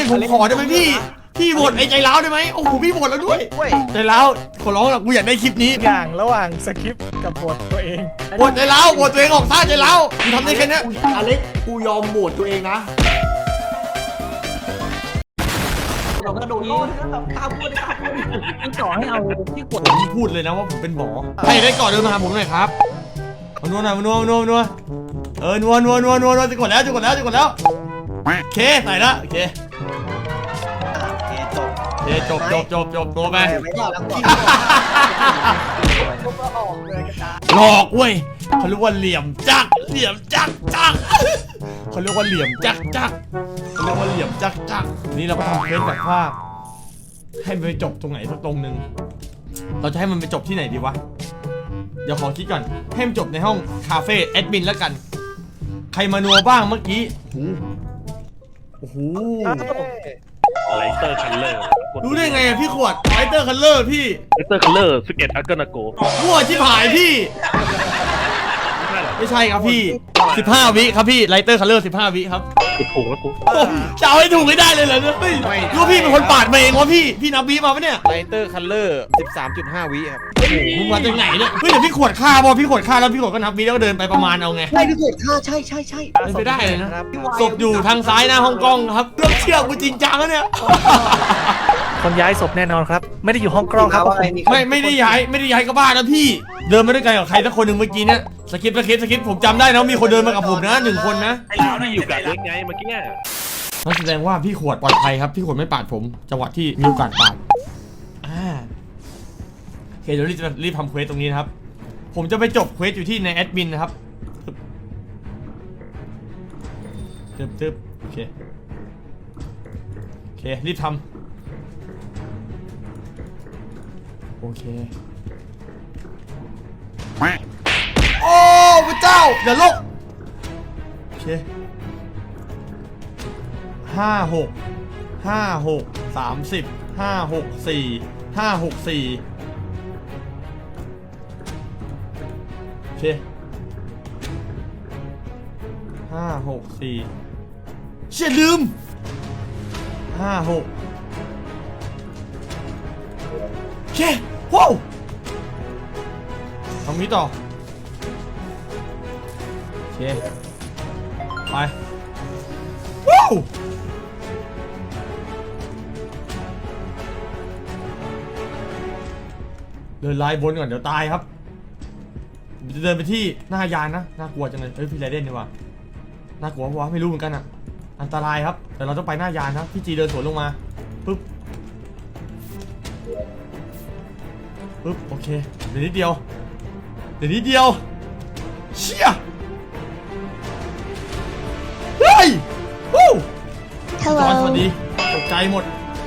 ผมขอได้ไหมพี่โหวตไอ้ใจร้าวได้ไหมโอ้โหพี่โหวตแล้วด้วยใจร้าวขอร้องละกูอยากได้คลิปนี้อย่างระหว่างสคริปต์กับบทตัวเองโหวตใจร้าวโหวตตัวเองออกซ่าใจร้าวมึงทำได้แค่นี้อเล็กกูยอมโหวตตัวเองนะเรากระโดดโลดข้ามพูดพี่ต่อให้เอาพี่กดผมพูดเลยนะว่าผมเป็นหมอใครได้ก่อนเดินมาหาผมหน่อยครับนัวหน่อยนัวนัวนัวจะกดแล้วโอเคใส่ละโอเคจบตัวไปหลอกเว้ยเขาเรียกว่าเหลี่ยมจักเขาเรียกว่าเหลี่ยมจักนี่เราก็ทำเคสแบบว่าให้มันไปจบตรงไหนสักตรงนึงเราจะให้มันไปจบที่ไหนดีวะเดี๋ยวขอคิดก่อนให้มันจบในห้องคาเฟ่แอดมินแล้วกันใครมานัวบ้างเมื่อกี้โอ้โหไลเตอร์คัลเลอร์รู้ได้ไงอะพี่ขวดไลเตอร์คัลเลอร์พี่ไลเตอร์คัลเลอร์11 อัลเกิลนาโกมั่วชิบหายพี่ไม่ใช่ครับพี่15 วิครับพี่ไลเตอร์คัลเลอร์15 วิครับถูกแล้วกูจะเอาให้ถูกไม่ได้เลยเหรอเฮ้ยรู้พี่เป็นคนปาดมาเองวะพี่นับวิมาปะเนี่ยไลเตอร์คัลเลอร์ 13.5 วิครับมึงมาจากไหนเนี่ยเฮ้ยเดี๋ยวพี่ขวดฆ่าพอพี่ขวดฆ่าแล้วพี่ขวดก็นับวิแล้วก็เดินไปประมาณเอาไงใช่พี่ขวดฆ่าใช่ไม่ได้เลยนะศพอยู่ทางซ้ายหน้าห้องกล้องครับเรื่องเชื่อกูจริงจังแล้วเนี่ยคนย้ายศพแน่นอนครับไม่ได้อยู่ห้องกล้องครับไม่ได้ย้ายก็บ้านะพี่เดินมาด้วยกันกับใครสักคนหนึ่งเมื่อกี้เนี่ยสคริปต์ผมจำได้นะมีคนเดินมากับผมนะ1 คนนะไอ้เราเนี่ยอยู่กับเล็กไงเมื่อกี้นั่นแสดงว่าพี่ขวดปลอดภัยครับพี่ขวดไม่ปาดผมจังหวะที่มีโอกาสปาดโอเคเดี๋ยวรีบทำเควสตรงนี้นะครับผมจะไปจบเควสอยู่ที่ในแอดมินนะครับตึ๊บโอเครีบทำโอเคโอ้พระเจ้าอย่าลกโอเค56 30 564 โอเค564เชี่ยลืม56โอเคว้าวทำนี้ต่อโอเคไปว้าวเดินไล่บนก่อนเดี๋ยวตายครับจะเดินไปที่หน้ายานนะน่ากลัวจังเลยเฮ้ยพี่ไรเดนดีกว่าน่ากลัววะไม่รู้เหมือนกันอ่ะอันตรายครับแต่เราต้องไปหน้ายานนะพี่จีเดินสวนลงมาปึ๊บโอเคเดี๋ยวนิดเดียวเชี่ยเฮ้ยวู้จอนสวัสดีตกใจหมด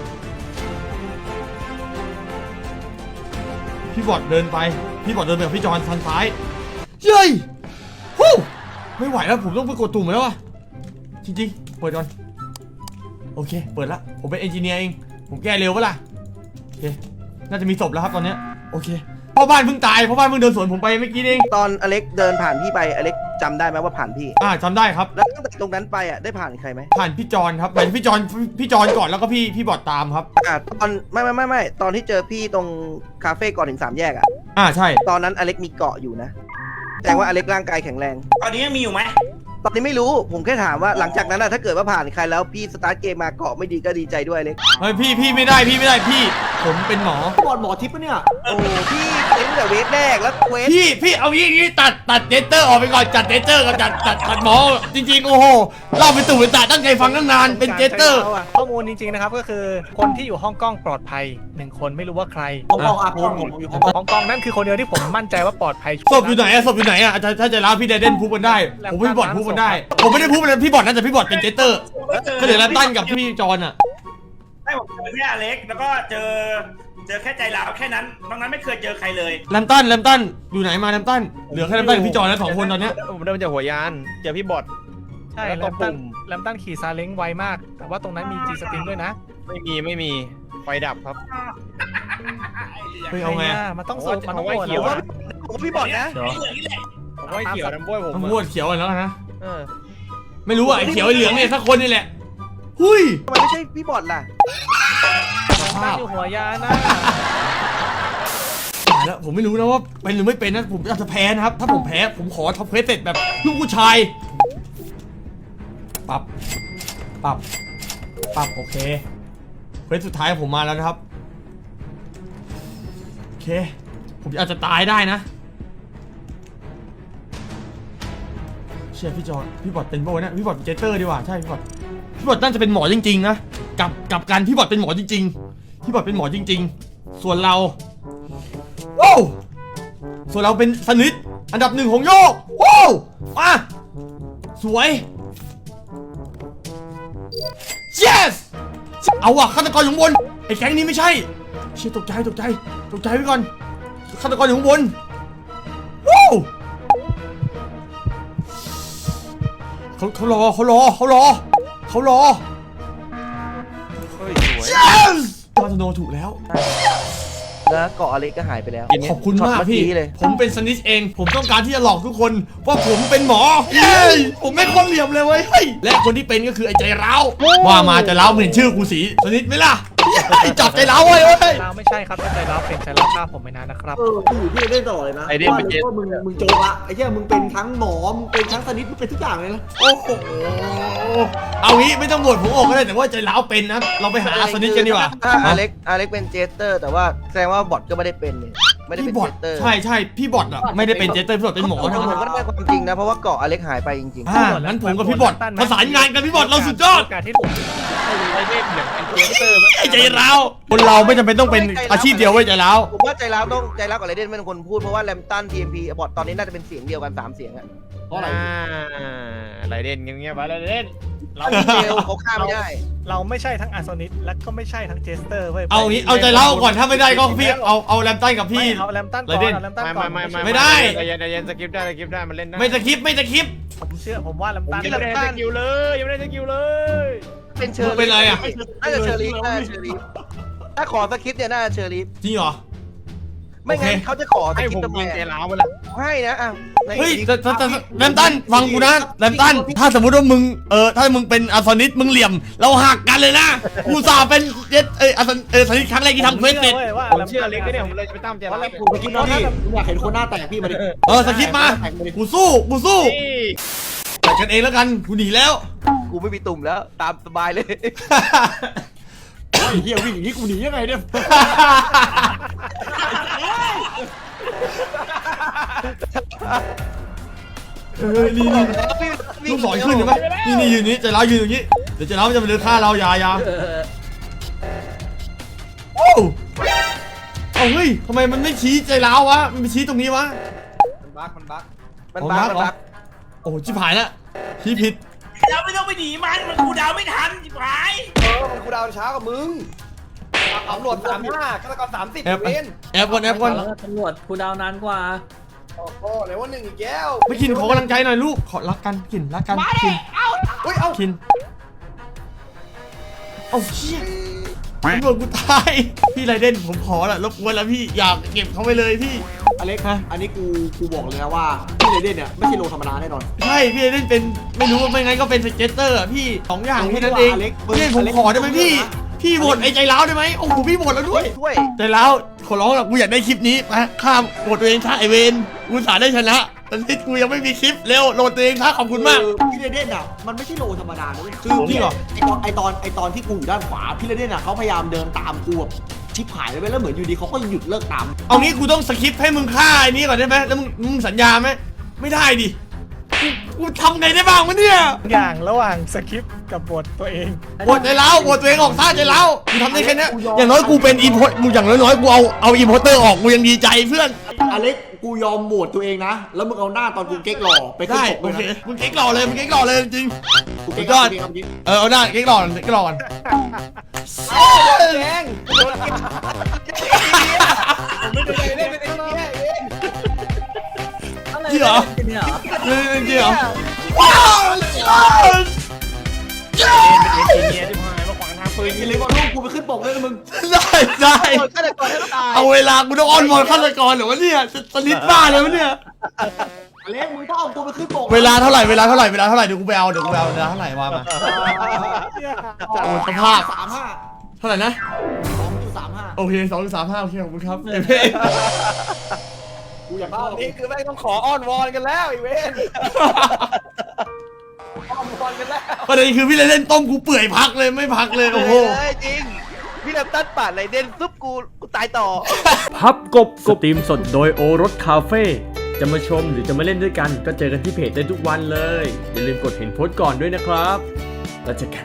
พี่บอดเดินไปกับพี่จอนทางซ้ายเย้ยฮู้ไม่ไหวแล้วผมต้องไปกดตุ่มแล้วอะจริงๆเปิดก่อนโอเคเปิดละผมเป็นเอนจิเนียร์เองผมแก้เร็วปะล่ะโอเคน่าจะมีศพแล้วครับตอนนี้โอเคพ่อบ้านเพิ่งตายพ่อบ้านเพิ่งเดินสวนผมไปเมื่อกี้เองตอนอเล็กเดินผ่านพี่ไปอเล็กจำได้ไหมว่าผ่านพี่จำได้ครับแล้วตั้งแต่ตรงนั้นไปอ่ะได้ผ่านใครไหมผ่านพี่จอนครับไปพี่จอนก่อนแล้วก็พี่บอดตามครับตอนไม่ตอนที่เจอพี่ตรงคาเฟ่ก่อนถึง3 แยกใช่ตอนนั้นอเล็กมีเกาะอยู่นะแต่ว่าอเล็กร่างกายแข็งแรงตอนนี้ยังมีอยู่ไหมตอนนี้ไม่รู้ผมแค่ถามว่าหลังจากนั้นถ้าเกิดว่าผ่านใครแล้วพี่สตาร์ทเกมมาเกาะไม่ดีก็ดีใจด้วยเล็กเฮ้ยพี่ไม่ได้พี่ผมเป็นหมหมอทิพย์ปะเนี่ยโอ้พี่เล่นแต่เวทแรกแล้วเวทพี่เอางี้ตัดเดเตอร์ออกไปก่อนจัดเดเตอร์กับจัดหมอจริงๆโอ้โหเล่าไปตู่ไปตาตั้งใจฟังตั้งนานเป็นเดเตอร์ข้อมูลจริงๆนะครับก็คือคนที่อยู่ห้องกล้องปลอดภัย1 คนไม่รู้ว่าใครห้องกล้องผมอยู่ห้องกล้องนั่นคือคนเดียวที่ผมมั่นใจว่าปลอดภัยศพอยู่ไหนถ้าจะเล่าพี่ไดเดนพูดกันได้ผมพี่บอดพูดกันได้ผมไม่ได้พูดพี่บอดน่าจะพี่บอดเป็นเจเตอร์ก็เหลือแลมตันกับพี่จอนอ่ะให้ผมเจอแค่อเล็กแล้วก็เจอแค่ใจร้าวแค่นั้นนอกนั้นไม่เคยเจอใครเลยแลมตันอยู่ไหนมาแลมตันเหลือแค่แลมตันกับพี่จอนแล้ว2 คนตอนเนี้ยผมเดินจากหัวยานเจอพี่บอดใช่แลมตันขี่ซาเล้งไวมากแต่ว่าตรงนั้นมีจีสติงด้วยนะไม่มีไฟดับครับเฮ้ยเอาไงมันต้องสูบมันต้องไฟเขียวผมพี่บอดนะผมไฟเขียวน้ำบ้วยผมน้ำบ้วยเขียวแล้วนะไม่รู้อ่ะไอ้เขียวไอ้เหลืองเนี่ยสักคนนี่แหละหุ้ยทำไมไม่ใช่พี่บอดล่ะตั้งอยู่หัวยานนะตายแล้วผมไม่รู้นะว่าเป็นหรือไม่เป็นนะผมอาจจะแพ้นะครับถ้าผมแพ้ผมขอท็อปเควสเสร็จแบบลูกผู้ชายปรับโอเคเควสสุดท้ายผมมาแล้วนะครับโอเคผมอาจจะตายได้นะเชื่อพี่จอนพี่บอดเป็นโบนะพี่บอดเป็นเจเตอร์ดีกว่าใช่พี่บอดน่าจะเป็นหมอจริงๆนะกับการพี่บอดเป็นหมอจริงๆพี่บอดเป็นหมอจริงๆส่วนเราว้าวส่วนเราเป็นสนิทอันดับ1ของโยกว้าวมาสวย yes เอาว่ะฆาตกรอยู่ข้างบนไอ้แก๊งนี้ไม่ใช่เชี่ยตกใจไว้ก่อนฆาตกรอยู่ข้างบนว้าวเขารอเฮ้ยสวย yes มาสโนถูกแล้วแล้วเกาะอเล็กก็หายไปแล้วขอบคุณมากช็อตพี่เอเลยผมเป็นสนิทเอง ผมต้องการที่จะหลอกทุกคนว่าผมเป็นหมอ เย้ผมไม่คนเหลี่ยมเลยเว้ยเฮ้ยและคนที่เป็นก็คือไอ้ใจร้าวว่ามาใจร้าวมึงเห็นชื่อกูสีสนิทไหมล่ะไอ้จับใจร้าวเว้ยเราไม่ใช่ครับถ้าใจเราเป็นใจเราฆ่าผมไม่นานนะครับพี่เล่นตลอดเลยนะไอเดนเป็นเจว่ามึงโจละไอ้เหี้ยมึงเป็นทั้งหมอมึงเป็นทั้งสนิทมึงเป็นทุกอย่างเลยนะโอ้โหเอางี้ไม่ต้องโหวตผมออกก็ได้แต่ว่าใจร้าวเป็นนะเราไปหาสนิทกันดีกว่าถ้าอเล็กเป็นเจสเตอร์ แต่ว่าแสดงว่าบอทก็ไม่ได้เป็นเนี่ยไม่ได้เป็พี่นบอเจดสเตอร์ใช่พี่บอดอะไม่ได้เป็นเจสเตอร์พี่บอดเป็นหมอทั้งผมนั้นก็ได้ความจริงนะเพราะว่าเกาะอเล็กหายไปจริงงั้นผมกับพี่บอดประสานงานกันพี่บอดเราสุดยอดโอกาสที่ผมไอเดนอย่างเป็นเจสเตอร์ไอ้ใจร้าวคนเราไม่จำเป็นต้องเป็นอาชีพเดียวเว้ยใจร้าวๆผมว่าใจร้าวกับไรเดนเป็นคนพูดเพราะว่าแรมตัน TMP บอทตอนนี้น่าจะเป็นเสียงเดียวกัน3เสียงอะเพราะอะไรไรเดนเงียบๆไปไรเดนเราเดียวเขาฆ่าไม่ได้เราไม่ใช่ทั้งอาร์โซนิสและก็ไม่ใช่ทั้งเจสเตอร์เว้ยเอางี้เอาใจร้าวก่อนถ้าไม่ได้ก็พี่เอาแรมตันกับพี่เอาแรมตันก่ไรอนเดนเอาแรมตันก่อนไม่ได้ใจเย็นสกิปได้มันเล่นได้ไม่สคริปต์ผมว่าแรมตันยังไม่ได้สกิลเลยยังไม่ได้สกิลเลยเป็นเชอร์เป็นไรอะน่าจะเชอร์ลีฟถ้าขอสคริปต์เนี่ยน่าจะเชอร์ลีฟจริงเหรอไม่งั้นโอเคเขาจะขอสให้คริผปมต์ทำไมยิงใจอะร้าวไปเลยให้นะอ่ะเฮ้ยแต่แรมตันฟังกูนะแรมตันถ้าสมมติว่ามึงถ้ามึงเป็นอาร์ซอนิสมึงเหลี่ยมเราหักกันเลยนะกูสาเป็นเจ็ดอาร์ซอนิสครั้งแรกที่ทำเควสเสร็จผมเชื่อเล็กก็เนี่ยผมเลยจะไปตั้มใจร้าวคุณไปคิดหน้าที่ผมอยากเห็นคนหน้าแตกพี่มาดิสคริปต์มากูสู้แต่กันเองแล้วกันกูหนีแล้วกูไม่มีตุ่มแล้วตามสบายเลยไอ้เหี้ยวิ่งอย่างนี้กูหนียังไงเนี่ยนี่ลูกศรขึ้นเห็นไหมนี่ยืนนี้ใจร้าวยืนอย่างนี้เดี๋ยวใจร้าวมันจะมาเดินฆ่าเราอย่าโอ้เอาเฮ้ยทำไมมันไม่ชี้ใจร้าววะมันไปชี้ตรงนี้วะมันบั๊กมันบ้ามันบ้าโอ้ชิบหายแล้วชี้ผิดเราไม่ต้องไปหนีมันกูดาวไม่ทันจิ๋วหายมันกูดาวช้ากว่ามึงตำรวจ35ฆาตกร30 แอบเว้นแอบก่อนแล้วก็ตำรวจคูลดาวน์นานกว่าโอ้โหไหนว่า1อีกแก้วไม่กินขอกำลังใจหน่อยลูกขอรักกันกินรักกันกินอุ้ยเอ้ากินเอาเชี่ยตำรวจกูตายพี่ไรเดนผมขอละรบกวนแล้วพี่อยากเก็บเขาไปเลยพี่อเล็กฮะอันนี้กูบอกเลยนะว่าพี่เลเดนเนี่ยไม่ใช่โลธรรมดาแน่นอนใช่พี่ไรเดนเป็นไม่รู้ว่าไม่งั้นก็เป็นสเก็ตเตอร์อะพี่สองอย่างแค่นั้นเองอเล็กพี่ผมขอได้ไหมพี่พี่โหวตไอ้ใจร้าวได้ไหมโอ้โหพี่โหวตแล้วด้วยช่วยใจร้าวขอร้องละกูอยากได้คลิปนี้มาข้ามโหวตตัวเองท่าไอเวนกูสาได้ชนะตอนนี้กูยังไม่มีคลิปเร็วโหลดตัวเองท่าขอบคุณมากพี่เลเดนอ่ะมันไม่ใช่โลธรรมดานะเว้ยคือจริงเหรอไอตอนที่กูอยู่ด้านขวาพี่เลเดนอ่ะเขาพยายามเดินตามกูแบบชิบหายเลยเว้ยแล้วเหมือนอยู่ดีเขาก็หยุดเลิกตามเอางี้กูต้องสคริปต์ให้มึงฆ่าไอ้นี้ก่อนได้ไหมแล้วมึงสัญญาไหมไม่ได้ดิกูทำไงได้บ้างวะเนี่ยอย่างระหว่างสคริปต์กับบทตัวเองโหวตใจร้าวโหวตตัวเองออกท่าใจร้าวกูทำได้แค่เนี้ยอย่างน้อยกูเป็นอีโพมึงอย่างน้อยๆกูเอาอีโพเตอร์ออกกูยังดีใจเพื่อนอเล็กกูยอมโหวตตัวเองนะ แล้วมึงเอาหน้าตอนกูเก๊กหล่อไปขึ้นได้ปกโอเลยเคนะมึงเก๊กหล่อเลยมึงเก๊กหล่อเลยจริงกูเก๊กสุดยอดเก๊กจริงเอาได้เก๊กหล่อเก๊กหล่อก่อนแดงจริงเหรอเนี่ยเหรอจริงเหรอว้าวเป็นเมียที่พายมาขวางทางปืนอย่าลืมเอารูปกูไปขึ้นปกด้วยนะมึงได้ฆาตกรให้ตายเอาเวลากูต้องอ้อนวอนฆาตกรเหรอวะเนี่ยจะสลิดบ้าเลยวะเนี่ยอเล็กมึงต้องเอาตัวไปขึ้นบกเวลาเท่าไหร่เวลาเท่าไหร่เวลาเท่าไหร่เดี๋ยวกูไปเอาเวลาเท่าไหร่ว่ามาโอ้สภาพ 35 เท่าไหร่นะ 2.35 โอเค2.35โอเคขอบคุณครับเอเพกูอยากตเข้าอนนี้คือแม่งต้องขออ้อนวอนกันแล้วอีเวนอ้อนวอนกันแล้วประเด็นคือพี่เล่นต้มกูเปื่อยพักเลยไม่พักเลยโอ้โหเลยจริง พี่ลำตันปาดไรเด่นซุปกูตายต่อพับกบสตรีมสดโดยโอรสคาเฟ่จะมาชมหรือจะมาเล่นด้วยกันก็เจอกันที่เพจได้ทุกวันเลย อย่าลืมกดเห็นโพสต์ก่อนด้วยนะครับแล้วเจอกัน